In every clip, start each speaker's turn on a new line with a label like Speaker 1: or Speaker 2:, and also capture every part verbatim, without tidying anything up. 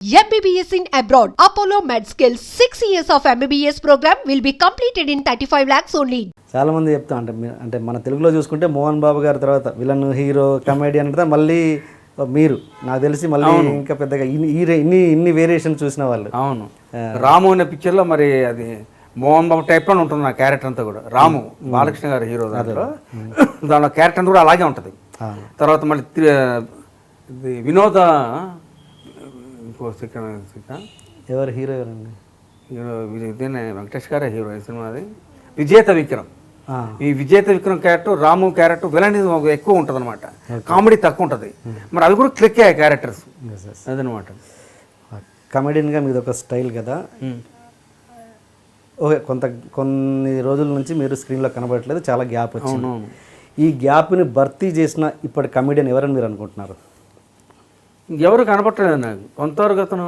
Speaker 1: M B B S in abroad. Apollo MedSkill six years of M B B S program will be completed in thirty-five lakhs only.
Speaker 2: చాలా మంది చెప్తా అంటే మీ- అంటే మన తెలుగులో చూసుకుంటే మోహన్ బాబు గారి తర్వాత విలన్ హీరో కమెడియన్ అంటే మళ్ళీ మీరు నాకు తెలిసి మళ్ళీ ఇంకా పెద్దగా ఇన్ని ఈ- ఇన్ని ఇన్ని వేరియేషన్ చూసిన వాళ్ళు.
Speaker 3: అవును రాము అనే పిక్చర్లో మరి అది మోహన్ బాబు టైప్లో ఉంటుంది నా క్యారెక్టర్ అంతా కూడా. రాము బాలకృష్ణ గారి హీరో దాంట్లో దాంట్లో క్యారెక్టర్ అంతా కూడా అలాగే ఉంటుంది. తర్వాత మళ్ళీ తి- ఇది వినోద ఇంకో సెకండ్
Speaker 2: ఎవరు హీరో ఎవరండి?
Speaker 3: హీరో ఇదేనే వెంకటేష్ గారే హీరో ఈ సినిమాది. విజేత విక్రమ్.
Speaker 2: ఆ,
Speaker 3: ఈ Vijetha Vikram character Ramu character villain ఎక్కువ ఉంటుంది అనమాట, కామెడీ తక్కువ ఉంటుంది. మరి అవి కూడా క్లిక్ అయ్యాయి క్యారెక్టర్స్
Speaker 2: yes, yes.
Speaker 3: అదనమాట.
Speaker 2: కమెడియన్గా మీది ఒక స్టైల్ కదా. ఓకే, కొంత కొన్ని రోజుల నుంచి మీరు స్క్రీన్లో కనబడట్లేదు, చాలా గ్యాప్ వచ్చింది.
Speaker 3: అవునవును.
Speaker 2: ఈ గ్యాప్ని భర్తీ చేసిన ఇప్పటి కమెడియన్ ఎవరని మీరు అనుకుంటున్నారు?
Speaker 3: ఎవరు కనపట్టలేదు నాకు. కొంతవరకు అతను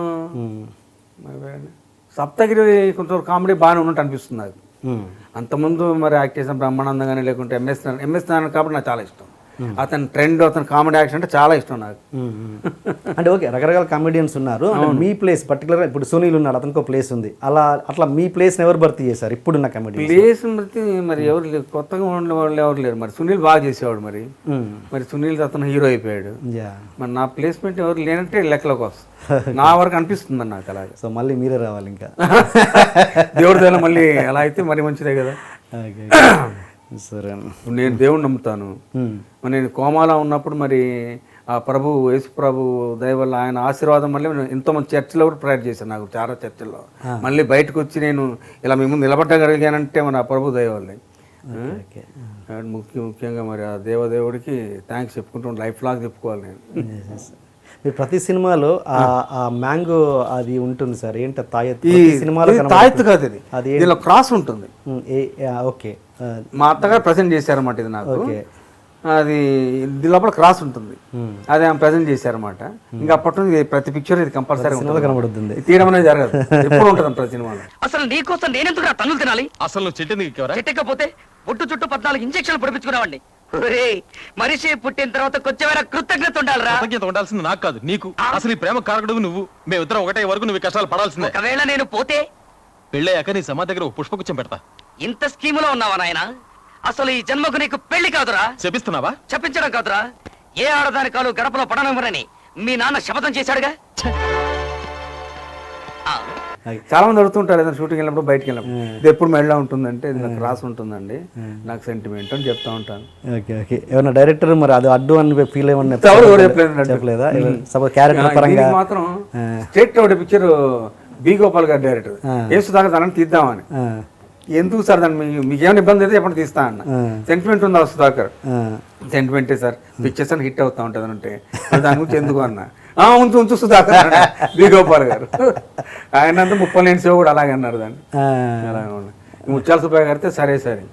Speaker 3: సప్తగిరి కొంతవరకు కామెడీ బాగానే ఉన్నట్టు అనిపిస్తుంది నాకు.
Speaker 2: మ్మ్.
Speaker 3: అంతకుముందు మరి యాక్ట్ చేసిన బ్రహ్మానందం కానీ లేకుంటే ఎంఎస్ ఎంఎస్ నారాయణ కాబట్టి నాకు చాలా ఇష్టం. అతని ట్రెండ్ అతని కామెడీ యాక్షన్ అంటే చాలా ఇష్టం నాకు.
Speaker 2: అంటే ఓకే, రకరకాల కామెడియన్స్ ఉన్నారు. అంటే మీ ప్లేస్ పర్టికులర్గా ఇప్పుడు సునీల్ ఉన్నాడు, అతనికి ఒక ప్లేస్ ఉంది. అలా అట్లా మీ ప్లేస్ని ఎవరు భర్తీ చేశారు ఇప్పుడున్న కమెడీ?
Speaker 3: ప్లేస్ బట్టి మరి ఎవరు లేరు, కొత్తగా ఉన్న వాళ్ళు ఎవరు లేరు. మరి సునీల్ బాగా చేసేవాడు, మరి మరి సునీల్ అతను హీరో అయిపోయాడు. మరి నా ప్లేస్మెంట్ ఎవరు లేనంటే లెక్కలోకి వస్తుంది నా వరకు అనిపిస్తుంది నాకు అలాగే.
Speaker 2: సో మళ్ళీ మీరే రావాలి ఇంకా.
Speaker 3: దేవుడి దగ్గర మళ్ళీ అలా అయితే మరి మంచిదే కదా.
Speaker 2: సరే,
Speaker 3: నేను దేవుడిని నమ్ముతాను. మరి నేను కోమాలో ఉన్నప్పుడు మరి ఆ ప్రభు యేసు ప్రభు దయ వల్ల ఆయన ఆశీర్వాదం మళ్ళీ నేను ఎంతోమంది చర్చిలో కూడా ప్రేయర్ చేశాను. నాకు చాలా చర్చిల్లో మళ్ళీ బయటకు వచ్చి నేను ఇలా మీ ముందు నిలబడగలిగానంటే మన ఆ ప్రభు దయ వల్లే. ముఖ్య ముఖ్యంగా మరి ఆ దేవదేవుడికి థ్యాంక్స్ చెప్పుకుంటూ లైఫ్ లాగ్ చెప్పుకోవాలి నేను.
Speaker 2: మీరు ప్రతి సినిమాలో ఆ మ్యాంగో అది ఉంటుంది సార్, ఏంటి తాయెత్తు?
Speaker 3: ఈ
Speaker 2: సినిమాలో
Speaker 3: తాయెత్తు కాదు, ఇది
Speaker 2: అది
Speaker 3: దీనిలో క్రాస్ ఉంటుంది.
Speaker 2: ఓకే,
Speaker 3: మా అత్తగారు ప్రజెంట్ చేశారన్నమాట ఇది నాకు. అది దీని లోపల క్రాస్ ఉంటుంది, అది ఆమె ప్రజెంట్ చేశారన్నమాట. ఇంకా అప్పటి నుంచి ప్రతి పిక్చర్ ఇది కంపల్సరీ
Speaker 2: కనబడుతుంది.
Speaker 3: తీయడం అనేది జరగదు, ఎప్పుడు ఉంటుంది ప్రతి సినిమాలో.
Speaker 4: అసలు నీకోసం నేనెందుకు నా తన్నులు తినాలి?
Speaker 5: అసలు నువ్వు చెట్టు
Speaker 4: చెట్టకపోతే ఒట్టు చుట్టూ పద్నాలుగు ఇంజక్షన్లు పొడిపించుకున్నావండి. మనిషి పుట్టిన తర్వాత కొంచెమైనా కృతజ్ఞత ఉండాలిరా.
Speaker 5: కృతజ్ఞత ఉండాల్సింది నాకు కాదు, నీకు. అసలు ఈ ప్రేమ కారకుడు నువ్వు. మేమిద్దరం ఒకటే వరకు నువ్వు కష్టాలు పడాల్సిందే.
Speaker 4: ఒకవేళ నేను పోతే
Speaker 5: పెళ్ళయ్యాక నీ సమాధి దగ్గర ఒక పుష్పగుచ్చం పెడతా.
Speaker 4: ఇంత స్కీములో ఉన్నావా నాయన? అసలు ఈ జన్మకు నీకు పెళ్లి కాదురా.
Speaker 5: చెప్పిస్తున్నావా?
Speaker 4: చెప్పించడం కాదురా, ఏ ఆడదాని కాలు గడపలో పడనివ్వరని మీ నాన్న శపథం చేశాడుగా. ఆ,
Speaker 3: చాలా మంది అడుగుతుంటారు ఏదైనా షూటింగ్ వెళ్ళినప్పుడు బయటకు వెళ్ళినప్పుడు ఇది ఎప్పుడు మెడలో ఉంటుందంటే ఇది నాకు రాసి ఉంటుందండి, నాకు సెంటిమెంట్ అని చెప్తా ఉంటాను.
Speaker 2: ఓకే ఓకే, ఏమన్నా డైరెక్టర్ మరి అది అడ్డు అని ఫీల్ ఏమన్నా
Speaker 3: ఎవరు ఎవరు చెప్పలేదు
Speaker 2: చెప్పలేదా? సపోజ్ క్యారెక్టర్ పరంగా
Speaker 3: దీనికి మాత్రం స్టేట్ ఒకటి పిక్చర్ బి గోపాల్ గారు డైరెక్టర్ ఏ సుధాకర్ దాన్ని తీద్దామని. ఎందుకు సార్ దాన్ని మీ- మీకు ఏమైనా ఇబ్బంది అయితే ఎప్పుడు తీస్తా అన్న. సెంటిమెంట్ ఉందా సుధాకర్? సెంటిమెంటే సార్, పిక్చర్స్ అని హిట్ అవుతా ఉంటుంది అని అంటే దాని గురించి ఎందుకు అన్న. ఆ ఉంచు ఉంచు సుధాకర్ అన్నాడు బి గోపాల్ గారు. ఆయన అంతా ముప్పై లేని సేవ కూడా అలాగే అన్నారు దాన్ని. అలాగే ఉన్నాయి. ముత్యాల సుబ్బయ్య గారితే సరే సరే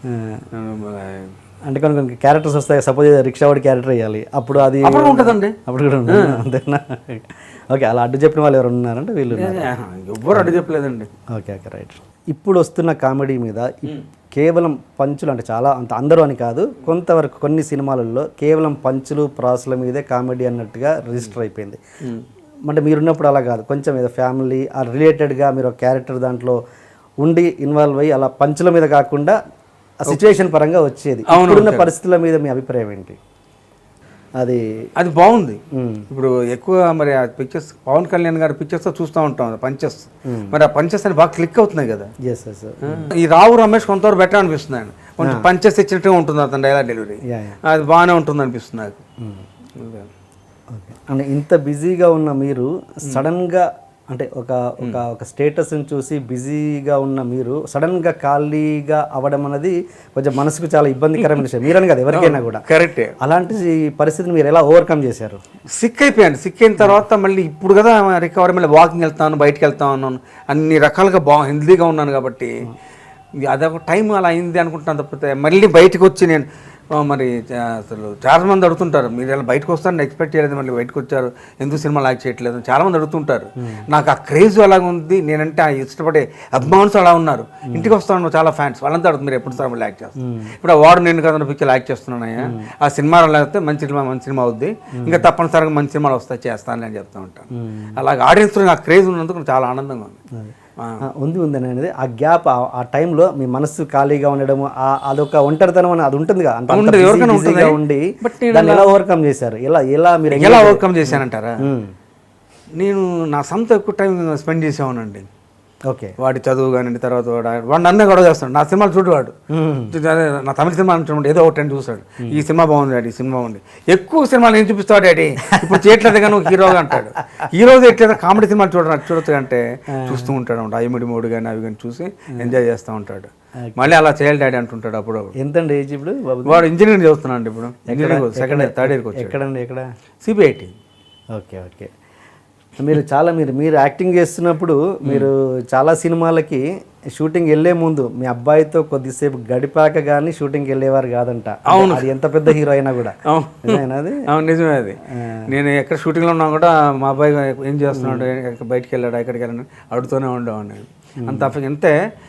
Speaker 2: అంటే కొన్ని కొన్ని క్యారెక్టర్స్ వస్తాయి. సపోజ్ రిక్షా వాడి క్యారెక్టర్ వేయాలి, అప్పుడు అది
Speaker 3: అప్పుడు ఉంటుందండి.
Speaker 2: అప్పుడు కూడా ఉంటుంది అంతేనా? ఓకే, అలా అడ్డు చెప్పిన వాళ్ళు ఎవరు ఉన్నారంటే వీళ్ళు.
Speaker 3: ఎవ్వరు అడ్డు చెప్పలేదండి.
Speaker 2: Okay okay right. ఇప్పుడు వస్తున్న కామెడీ మీద ఇప్- కేవలం పంచులు అంటే చాలా అంత అందరూ అని కాదు, కొంతవరకు కొన్ని సినిమాలలో కేవలం పంచులు ప్రాసుల మీదే కామెడీ అన్నట్టుగా రిజిస్టర్ అయిపోయింది. అంటే మీరున్నప్పుడు అలా కాదు, కొంచెం ఏదో ఫ్యామిలీ ఆ రిలేటెడ్గా మీరు ఒక క్యారెక్టర్ దాంట్లో ఉండి ఇన్వాల్వ్ అయ్యి అలా పంచుల మీద కాకుండా ఆ సిచ్యువేషన్ పరంగా వచ్చేది. ఇప్పుడున్న పరిస్థితుల మీద మీ అభిప్రాయం ఏంటి? అది
Speaker 3: అది బాగుంది. ఇప్పుడు ఎక్కువ మరి ఆ పిక్చర్స్ పవన్ కళ్యాణ్ గారి పిక్చర్స్ చూస్తూ ఉంటాం పంచెస్, మరి ఆ పంచెస్ అని బాగా క్లిక్ అవుతున్నాయి కదా.
Speaker 2: ఎస్ ఎస్
Speaker 3: ఈ రావు రమేష్ కొంతవరకు బెటర్ అనిపిస్తుంది ఆయన, కొంచెం పంచెస్ ఇచ్చినట్టుగా ఉంటుంది అతను డైలాగ్ డెలివరీ, అది బాగానే ఉంటుంది అనిపిస్తుంది నాకు.
Speaker 2: ఓకే, అంటే ఇంత బిజీగా ఉన్న మీరు సడన్గా అంటే ఒక ఒక ఒక స్టేటస్ని చూసి బిజీగా ఉన్న మీరు సడన్గా ఖాళీగా అవ్వడం అనేది కొంచెం మనసుకు చాలా ఇబ్బందికరమైన విషయం. మీరని కదా ఎవరికైనా కూడా.
Speaker 3: కరెక్టే.
Speaker 2: అలాంటి పరిస్థితిని మీరు ఎలా ఓవర్కమ్ చేశారు?
Speaker 3: సిక్ అయిపోయాను. సిక్ అయిన తర్వాత మళ్ళీ ఇప్పుడు కదా రికవరీ, మళ్ళీ వాకింగ్ వెళ్తాను, బయటకు వెళ్తా ఉన్నాను, అన్ని రకాలుగా బా హెల్తీగా ఉన్నాను కాబట్టి అదొక టైం అలా అయింది అనుకుంటున్నాను. తప్పితే మళ్ళీ బయటకు వచ్చి నేను ఆ, మరి చా- అసలు చాలా మంది అడుగుతుంటారు మీరు ఇలా బయటకు వస్తారని ఎక్స్పెక్ట్ చేయలేదు మళ్ళీ బయటకు వచ్చారు ఎందుకు సినిమా లాక్ చేయట్లేదు అని చాలా మంది అడుగుతుంటారు. నాకు ఆ క్రేజ్ అలాగ ఉంది, నేనంటే ఆ ఇష్టపడే అభిమానులు అలా ఉన్నారు. ఇంటికి వస్తాను చాలా ఫ్యాన్స్ వాళ్ళంతా అడుగుతుంది మీరు ఎప్పుడు సార్ మళ్ళీ యాక్ట్ చేస్తారు. ఇప్పుడు ఆ వాడు నేను కదా పిక్చర్ యాక్ట్ చేస్తున్నానయ్యా, ఆ సినిమా లేకపోతే మంచి సినిమా మంచి సినిమా అవుద్ది, ఇంకా తప్పనిసరిగా మంచి సినిమాలు వస్తాయి చేస్తాను అని చెప్తూ ఉంటాను. అలాగే ఆడియన్స్లో నాకు క్రేజ్ ఉన్నందుకు నాకు చాలా ఆనందంగా ఉంది. ఆ.
Speaker 2: ఆ, ఉంది ఉంది అనేది ఆ గ్యాప్ ఆ టైంలో మీ మనసు ఖాళీగా ఉండడం ఆ- అదొక ఒంటరితనం అని అది ఉంటుందిగా అంత అంత
Speaker 3: ఉంటుంది,
Speaker 2: busy-
Speaker 3: ఎవరికైనా
Speaker 2: busyగా
Speaker 3: ఉంటుంది.
Speaker 2: ఉండి
Speaker 3: బట్ నేను
Speaker 2: దాన్ని ఎలా ఓవర్కమ్ చేశారు, ఎలా ఎలా మీరు
Speaker 3: ఎలా ఓవర్కమ్ చేశానంటారా,
Speaker 2: ఉమ్,
Speaker 3: నేను నా సొంత ఎక్కువ టైం స్పెండ్ చేసేవానండి.
Speaker 2: ఓకే.
Speaker 3: వాడి చదువు కానీ తర్వాత వాడు వాడు నన్నే గొడవ చేస్తాడు, నా సినిమాలు చూడవాడు, అదే నా తమిళ సినిమా అంటున్నాడు ఏదో ఒకటి అని చూస్తాడు, ఈ సినిమా బాగుంది డాడీ ఈ సినిమా బాగుంది, ఎక్కువ సినిమాలు నేను చూపిస్తాడు డాడీ ఇప్పుడు చేయట్లేదు కానీ ఒక హీరోగా అంటాడు, హీరోగా ఎట్లేదు కామెడీ సినిమాలు చూడడం చూడొచ్చు అంటే చూస్తూ ఉంటాడు అనమాట, ఐమిడి మూడు కానీ అవి కానీ చూసి ఎంజాయ్ చేస్తూ ఉంటాడు. మళ్ళీ అలా చేయాలి డాడీ అంటుంటాడు అప్పుడు.
Speaker 2: ఎంతండి ఏజ్ ఇప్పుడు బాబు?
Speaker 3: వాడు ఇంజనీరింగ్ చదువుతున్నాడు అండి ఇప్పుడు, ఇంజనీరింగ్ సెకండ్ ఇయర్ థర్డ్ ఇయర్కి వచ్చాడు.
Speaker 2: ఎక్కడండి ఎక్కడ?
Speaker 3: సిబిఐటి.
Speaker 2: Okay okay. మీరు చాలా మీరు మీరు యాక్టింగ్ చేస్తున్నప్పుడు మీరు చాలా సినిమాలకి షూటింగ్ వెళ్ళే ముందు మీ అబ్బాయితో కొద్దిసేపు గడిపాక కానీ షూటింగ్కి వెళ్ళేవారు కాదంట.
Speaker 3: అవును.
Speaker 2: అది ఎంత పెద్ద హీరో అయినా కూడా. నిజమేనా అది?
Speaker 3: అవును నిజమే అది. నేను ఎక్కడ షూటింగ్లో ఉన్నా కూడా మా అబ్బాయి ఏం చేస్తున్నాడు, ఎక్కడ బయటికి వెళ్ళాడు ఎక్కడికి వెళ్ళాడు అడుగుతూనే ఉండేవాడిని. అంత అంతే